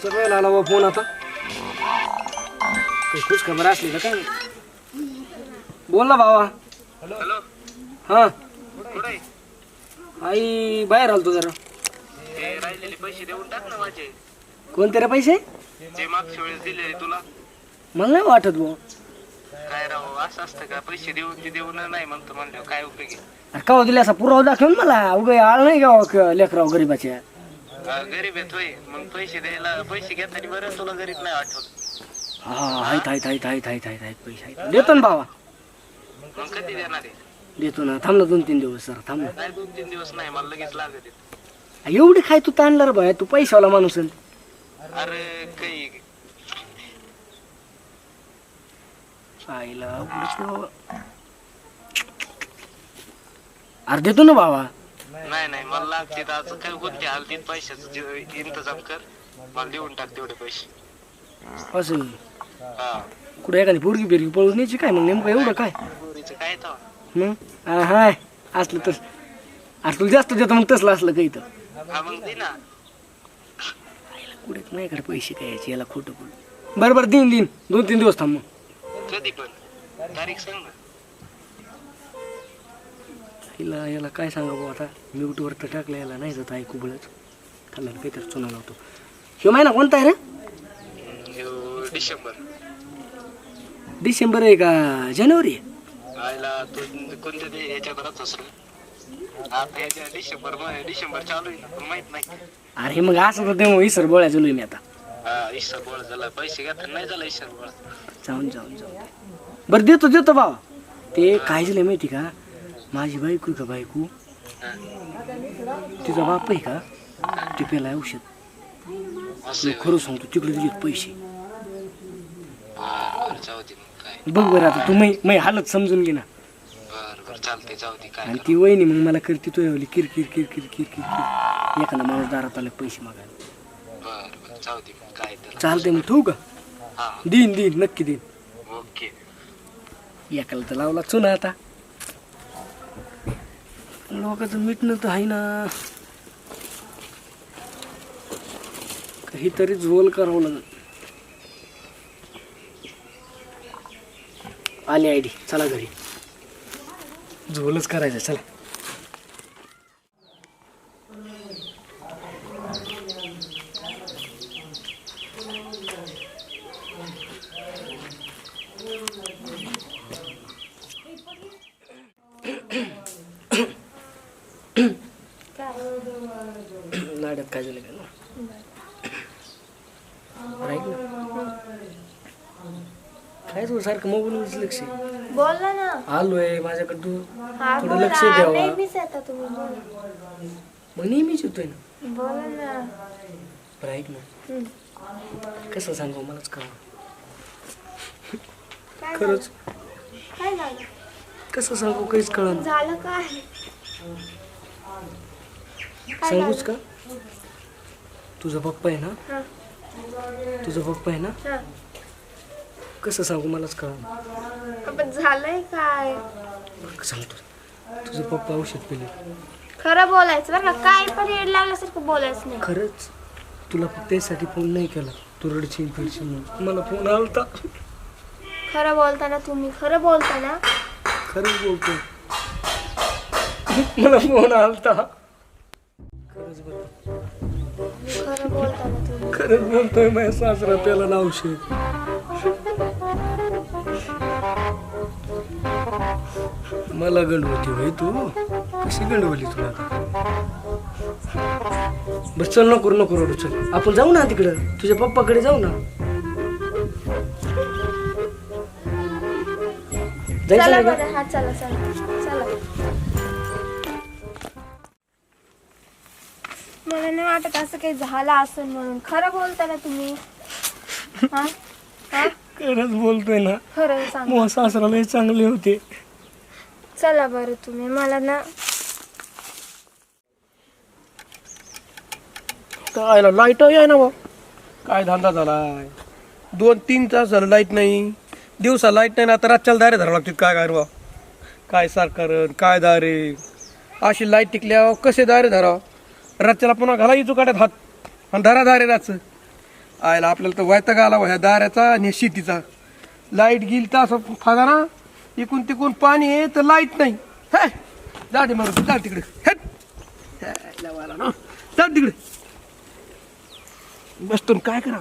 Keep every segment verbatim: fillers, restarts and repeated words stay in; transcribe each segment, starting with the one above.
वेळ आला बा फोन आता काही खुश खबर असली का काय बोल ना भावा. हॅलो. हा कुठे आई बाहेर आलतो जरा. ते राहिलेले पैसे देऊन टाक ना माझे. कोणते रे पैसे? जे मागच्या वेळेस दिले तुला. मला नाही वाटत भाऊ. काय राव असं असतं का? पैसे देऊन ते देऊन नाही म्हणतो म्हणलं काय उपयोगी. का दिले असा पुरावा दाखवून मला उगा आळ नाही गाव लेकराव गरीबाच्या. गरीब येतोय मग पैसे द्यायला पैसे घेताना बरं तुला गरीब नाही आठवत. हा आहेत आहेत आहेत आहेत आहेत आहेत आहेत पैसे आहेत देतो ना भावा. मग कधी देणार आहे? देतो ना थांब ना दोन तीन दिवस सर थांब ना. नाही दोन तीन दिवस नाही मला लगेच लागत आहे. एवढी काय तू ताणला रे भाया तू पैशावाला माणूस आहे. अरे काही आईला उगाच बाबा. अरे देतो ना भावा. नाही नाही मला लागते आज काय कोणते हालतीत पैशाचं जे इंतजाम कर मला देऊन टाक तेवढे पैसे. असं हा कुठे एखादी पोरगी बिरगी पळून न्यायची काय मग नेमकं एवढं काय पोरीचं काय तर मग हा हाय असलं तर अरे तुला जास्त देतो मग तसलं असलं काही तर हा मग दे ना. कुठे माझ्याकडे पैसे काय याचे याला खोटं बोल. बरं बरं देईन देईन दोन तीन दिवस थांब मग. कधी पण तारीख सांग ना. हिला याला काय सांगा भाऊ आता म्यूटवर तर टाकलं याला नाही जात ऐकू बळच खाल्ल्याला काहीतरी चुना लावतो. ह्यो महिना कोणता आहे रे? ह्यो डिसेंबर. डिसेंबर आहे का जानेवारी आहे? आयला तू कोणत्या ते ह्याच्यात राहत असेल आता ह्याच्या डिसेंबर मध्ये डिसेंबर चालू आहे ना पण माहित नाही. अरे मग असं तर ते इसर बोळ्या चालू मी आता. हा ईश्वर बोळ झाला पैसे घेता नाही झाला ईश्वर बोळ. जाऊन जाऊन जाऊन बरं देतो देतो भावा. ते काय झालं माहिती का माझी बायको का बायको तिचा बाप आहे का ते पेला औषध. असं खरं सांगतो तिकडे दिलेत पैसे. बर जाऊ दे मग काय. बघ बरं आता तू मै मै हालत समजून घे ना. बर बर चालते जाऊ दे काय आणि ती वहिनी मग मला करते तो एवढी किर किर किर किर किर किर किर एखादा माणूस दारात आला पैसे मागायला. बर बर जाऊ दे मग काय तर. चालतंय मग ठेवू का? हा देईन देईन नक्की देईन. ओके. एकाला तर लावला चुना आता लोकांचं मिटणं तर आहे ना काहीतरी झोल करावं लागेल. आली आयडी चला घरी झोलच करायचं चला. नाड्यात काय झालं काय काय तू सारखं मोबाईल लक्ष बोल ना. आलोय माझ्याकडे तू हा थोडं बोला. लक्ष द्यावा. नेहमीच येता तुम्ही बोला. मग नेहमीच येतोय ना. बोला ना. बरं ऐक ना हम्म. कसं सांगू मलाच का काय खरंच झालं? काय झालं? कसं सांगू काहीच कळलं. झालं काय? काय सांगूच का झालं? तुझा पप्पा आहे ना हा, तुझा पप्पा आहे ना हा. कसं सांगू मलाच कळलं. पण झालंय काय? सांगतो तुझा पप्पा औषध पिले. खरं बोलायचं बरं का. काय पण येड लागल्यासारखं बोलायचं नाही. खरंच तुला फक्त त्यासाठी फोन नाही केला तू रडशील फिरशील म्हणून. मला फोन आलता. खरं बोलताना तुम्ही खरं बोलताना. खरंच बोलतो मला फोन आलता. खरंच बोलतो खरं बोलताना तुम्ही. खरंच बोलतोय माझ्या सासरा त्याला ना औषध. मला गंडवती भाई तू कशी गंडवली तुला आता. बस चल नको नको रडू चल आपण जाऊ ना तिकडं तुझ्या पप्पाकडे जाऊ ना. जायचं चला नाही का? बरं. हा चला चला चला. मला नाही वाटत असं काही झालं असेल म्हणून. खरं बोलताना तुम्ही. हा हा खरंच बोलतोय ना. खरं सांग. मग सासरा लय चांगले होते. चला बरं तुम्ही मला ना. काय लाईट आहे ना बा काय धंदा झालाय. दोन तीन तास झालं लाईट नाही. दिवसा लाईट नाही ना आता रातच्याला दारे धरावं लागतील. काय काय बा काय सरकार काय दारे अशी लाईट टिकल्यावर कसे दारे धरावं. रातच्याला पुन्हा घाला इचू काढत हात आणि धरा दारे रातचं आयला आपल्याला तर वैताग आला ह्या दाऱ्याचा आणि ह्या शेतीचा. लाईट गेली तर असं फागा ना, इकून तिकून पाणी आहे तर लाईट नाही. हे जा दे मरू जा तिकडे. हे लावाला ना जा तिकडे बसतो काय करा.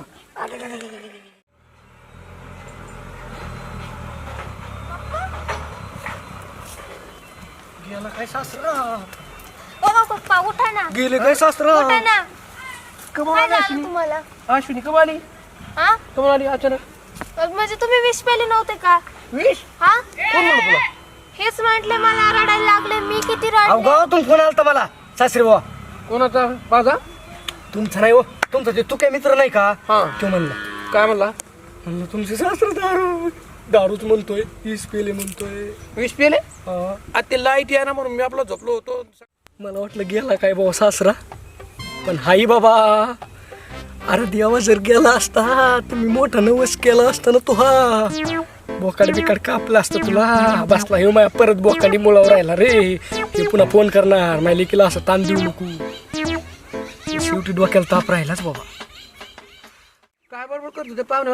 गेला काय सासरा, ओ पप्पा उठा ना, गेले काय सासरा. उठा ना. कमाल काय आली झालं अश्विनी. तुम्हाला? अश्विनी कम आली हा कम आली अचानक. म्हणजे तुम्ही विष पेले नव्हते का? विष हा कोण म्हणलं तुला? हेच म्हटले मला रडायला लागले. मी किती अहो रडले. गावातून फोन आलता मला सासरे बाबा. कोणाचा? माझा? तुमचा नाही हो, तुमचा ते तू काय मित्र नाही का हा तो म्हणला. काय म्हणला? म्हणलं तुमचे सासरा दारू दारूच म्हणतोय, वीस पेले म्हणतोय. विष पेले? हा. आता ते लाईट या ना म्हणून मी आपला झोपलो होतो. मला वाटलं गेला काय बाबा सासरा, पण हाई बाबा. अरे देवा जर गेला असता तर मी मोठा नवस केला असता ना. तू हा बोकाड बिकाड कापला असतं तुला. बसला हे माया परत बोकाडी मुळावर राहिला रे. हे पुन्हा फोन करणार माझ्या लेकीला असं ताण देऊ नको. शेवटी डोक्याला ताप राहिलाच बाबा. काय बरोबर करतो ते पाहुणं?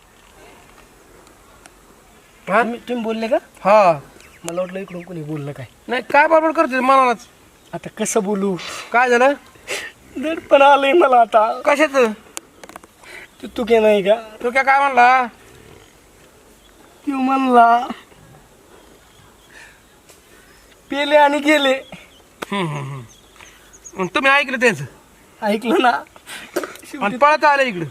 हा तुम्ही बोलले का? हा मला वाटलं इकडून कोणी बोललं काय. नाही काय बरोबर करतो मनालाच. आता कसं बोलू, काय झालं? दडपण आलंय मला आता. कशाच? तू तू काय नाही का? तू काय काय म्हणला? तू म्हणला पेले आणि गेले. मग तुम्ही ऐकलं त्याच ऐकलं ना. आणि पळत आलं इकडं.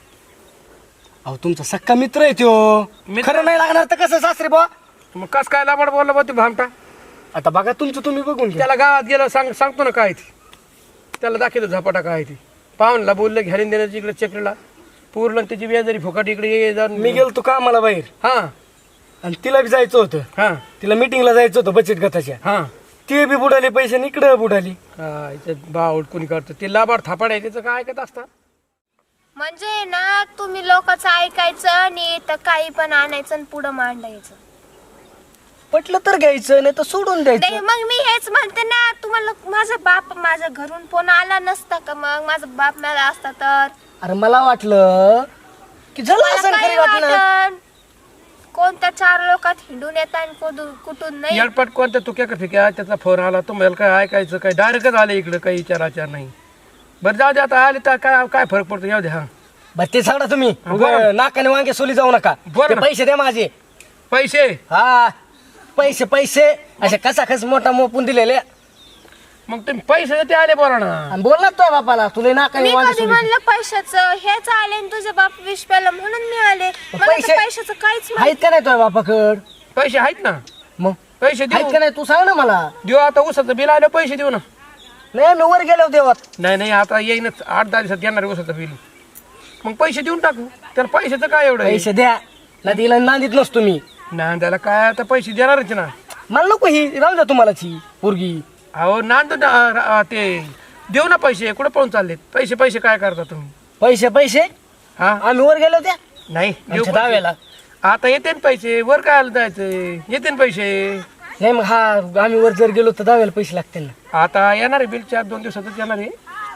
अहो तुमचा सक्का मित्र आहे त्यो. मित्र? खरं नाही लागणार तर कसं सासरे बा. मग कस काय लाबाड बोलला बा ते भामटा? आता बघा तुमचं तुम्ही बघून घ्या. त्याला गावात गेलं सांग सांगतो ना काय ती. त्याला दाखवतो झपाटा काय ती. पाहुणला बोललं घ्यायला देण्याची इकडे चक्रीला पूर्ण त्याची व्याजारी फुकट इकडे ये जा. मी गेलो तू कामाला बाहेर हा आणि तिला बी जायचं होतं. हा तिला मिटिंगला जायचं होतं बचत गटाच्या. हा ती बी बुडाली पैसे आणि इकडं बुडाली. काय बावड कोणी करतो ते लाबाड थापाड आहे त्याचं काय ऐकत असता. म्हणजे ना तुम्ही लोकांचं ऐकायचं आणि तर काही पण आणायचं आणि पुढं मांडायचं. पटलं तर घ्यायचं नाही तर सोडून नाही द्यायचं. मग मी हेच म्हणते ना तुम्हाला. माझा बाप माझ्या घरून फोन आला नसता का? मग माझा बाप मिळाला असता तर अरे मला वाटलं की झालं मला असं काही खरी वाटलं. वाटण. कोणत्या चार लोकात हिंडून येतात आणि कुठून कुठून नाही. येडपट कोणत्या तुक्या का फिक्या त्याचा फोन आला तुम्हाला काय ऐकायचं काय डायरेक्टच आले इकडं काही विचार आचार नाही. बरं जाऊ दे आता आले तर काय काय फरक पडतो येऊ दे. हा बरं ते सांगा तुम्ही. बरं. उगाच नाकाने वांगे सोली जाऊ नका. बरं ते ना. पैसे द्या माझे. पैसे हा पैसे पैसे असे कसा खस मोठा मोपून दिलेले. मग तुम्ही पैसे ते आले बोला ना. आणि बोल ना तुझ्या बापाला तुला नाकाने मी वांगे कधी सोली. म्हणलं पैशाचं हेच आले आणि तुझे बाप विष प्याला म्हणून मी आले. मला तर पैसे- पैशाचं काहीच आहेत का नाही तुझ्या बापाकड? पैसे आहेत ना. मग पैसे आहेत देऊ का नाही तू सांग ना मला. देऊ आता उसाचं बिल आलं पैसे देऊ ना. नाही मी वर गेलो देवात. नाही नाही आता येईनच आठ दहा दिवसात येणार आहे उसाचं बिल. मग पैसे देऊन टाकू. त्याला पैशाचं काय एवढं आहे? पैसे द्या ना. तिला नांदीत नसतो मी. ना त्याला काय आता पैसे देणारच ना. मला नको ही राहू द्या तुम्हाला ची पोरगी. अहो नांद ते देऊ ना पैसे. कुठं पळून चाललेत पैसे? पैसे काय करता तुम्ही? पैसे पैसे हा आम्ही वर गेलो त्या नाही देऊ आमच्या पैसे. दाव्याला. आता येते ना पैसे. वर काय जायचं येते ना पैसे. नाही मग हा आम्ही वर जर गेलो तर दाव्याला पैसे लागतील ना. आता येणार आहे बिल चार दोन दिवसातच येणार आहे.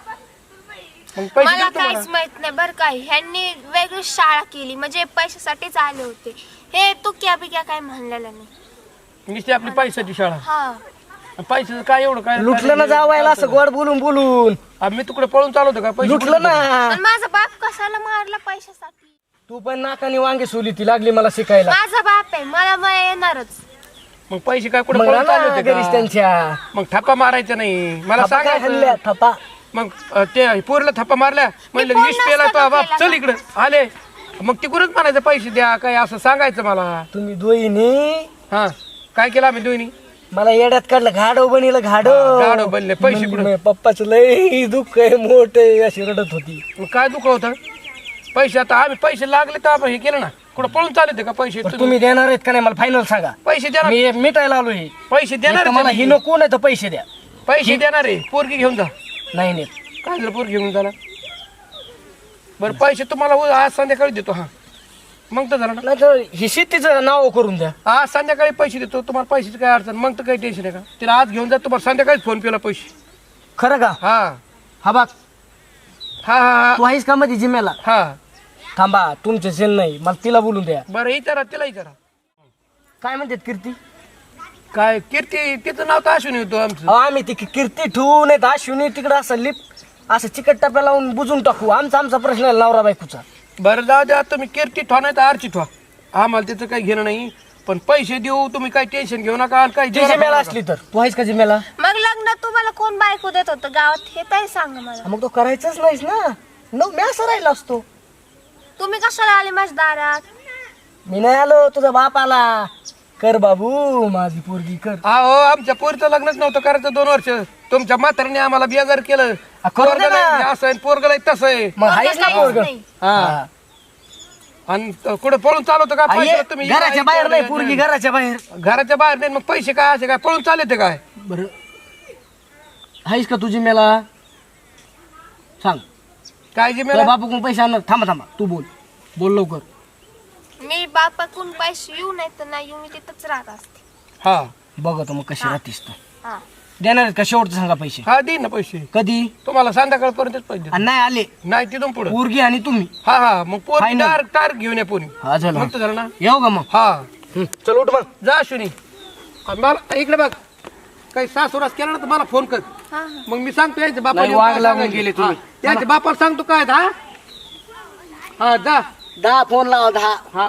मग पैसे मला देऊ तुम्हाला. काहीच माहित नाही बरं काय. ह्यांनी वेगळी शाळा केली म्हणजे पैशासाठीच आले होते. हे तू क्या बिक्या काय म्हणलेलं नाही. नुसती आपली पैशाची शाळा. हा पैशाचं काय एवढं काय लुटलं ना जावायला असं गोड बोलून बोलून. आम्ही तुकडे पळून चालवतो का पैसे? लुटलं ना. पण माझा बाप कशाला मारला पैशासाठी? तू पण नाकाने वांगे सोली ती लागली मला शिकायला. माझा बाप आहे मला मला येणारच. मग पैसे काय कुठे मग पळून चालले राहणार होते घरीच का? त्यांच्या. मग थप्पा मारायचा नाही मला थप्पा काय हाणल्या, सांगायचं. थप्पा. मग अ, ते पोरला थप्पा मारल्या म्हणलं फोन विष पेला नसता तो बाप केला चल का? इकडे आले. मग तिकडूनच म्हणायचं पैसे द्या काय असं सांगायचं मला. तुम्ही दोईनी हा काय केलं आम्ही दोन्ही? मला येड्यात काढलं. घाडो बनिलं घाडो. हा, गाढव बनले. पैसे कुठं? म्हणजे पप्पाचं लय दुःख आहे मोठ अशी रडत होती. मग काय दुःख होतं? पैसे आता आम्ही पैसे लागले तर आपण हे केलं ना. कुठं पळून चालले का पैसे? पण तुम्ही देणार आहेत का नाही मला फायनल सांगा. पैसे देणार. मी मिटायला आलोय. पैसे देणार मला आहे ही ते. नको नाही तर पैसे द्या. पैसे देणार आहे. पोरगी घेऊन जा. नाही नाही काय झालं पोरगी घेऊन झाला? बरं पैसे तुम्हाला उ- आज संध्याकाळी देतो. हा मग तर झालं ना. नाही तर ही शेतीचं नाव करून द्या. आज संध्याकाळी पैसे देतो तुम्हाला. पैशाची काय अडचण मग तर काही टेन्शन आहे का? तिला आज घेऊन जा तुम्हाला संध्याकाळी फोन पेला पैसे. खरं का? हा हा बघ हा हा तू आहेस का मध्ये जिम्याला? हा थांबा तुमचे सेल नाही मला तिला बोलून द्या. बरं विचारा तिला विचारा काय म्हणतात कीर्ती? काय कीर्ती तिचं नाव तर असून येतो आमचं. अहो आम्ही ती कीर्ती ठेवू नाही तर अश्विनी तिकडं असं लिप असं चिकट टप्प्या लावून बुजून टाकू. आमचा आमचा प्रश्न आहे नवरा बायकोचा. बरं जाऊ द्या तुम्ही कीर्ती ठेवा नाही तर आरची ठेवा, आम्हाला त्याचं काही घेणं नाही. पण पैसे देऊ तुम्ही काही टेन्शन घेऊ नका आणि काही जी जिम्याला असली तर तू आहेस का जिम्याला? मग लग्न तुम्हाला कोण बायको देत होतं गावात हे तरी सांगा मला. मग तो करायचाच नाहीस ना. न मी असं राहिला असतो. तुम्ही कशाला आले माझ्या दारात? मी नाही आलो तुझा बाप आला. कर बाबू माझी पोरगी कर. अहो आमच्या पोरीचं लग्नच नव्हतं करायचं दोन वर्ष. तुमच्या म्हाताऱ्याने आम्हाला बेजार केलं. आ, करू दे पोरगं ना. लय असं आहे पोरगं लय तसं आहे. मग आहेस ना काहीच पोरग? नाही. हा. आणि कुठे पळून चालवतं का आई, पैसे तुम्ही घराच्या बाहेर नाही पोरगी घराच्या बाहेर. घराच्या बाहेर नाही मग पैसे काय असे काय पळून चालते काय? बर आहेस का तुझी मेला सांग. काय जे तुझ्या बापूकडून पैसे आणणार. थांबा थांबा तू बोल बोल लवकर. मी बापाकडून पैसे येऊ नाही तर नाही येऊ मी तिथंच राहत असते. हा बघतो मग कशी राहतीस तू. हा देणार आहेत का शेवटचं सांगा पैसे? हा दे ना पैसे कधी? तुम्हाला संध्याकाळपर्यंतच पैसे आणि नाही आले नाही तिथून पुढे पोरगी आणि तुम्ही. हा हा मग पोरी Final. तार तार घेऊन या पोरी. हा झालं मग तर झालं ना. येऊ का मग? हा हं, चल उठ मग. जा शुनी मला इकडे बघ काही सासुरास केला ना तर मला फोन कर. हा हा मग मी सांगतो याच्या नाही, बापाला वाघ काय लागून सांगायचं. गेले तुम्ही. हा, त्याच्या बापाला सांगतो काय हा हा जा दहा फोन लावा दहा. हा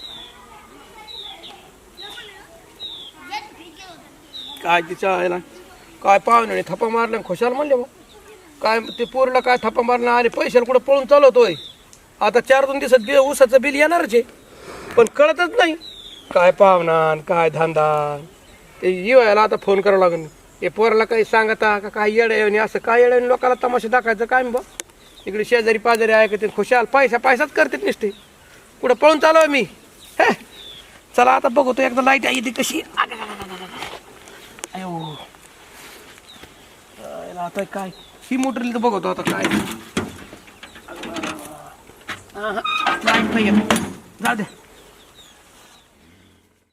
काय तिच्या आहे ना काय पाहुणे थप्पा मारल्या खुशाल म्हणले मग काय ते पोरीला काय थप्पा मारला आणि पैशाला कुठं पळून चालवतोय. आता चार दोन दिवसात बिल ऊसाचं बिल येणारच आहे पण कळतच नाही काय पाहुणा काय धंदा. ते येवायला आता फोन करावं लागेल. हे पोराला काही सांगता का काय येडे असं काय येडे लोकांना तमाशा दाखवायचं काय बा. इकडे शेजारी पाजारी ऐकते खुशाल पैसा पैसाच करते नुसते कुठं पळून चालू आहे मी. हे चला आता बघतो एकदा लाईट आहे ती कशी. अयो आता काय ही मोटर तर बघतो आता काय. लाईट नाही येत. जाऊ दे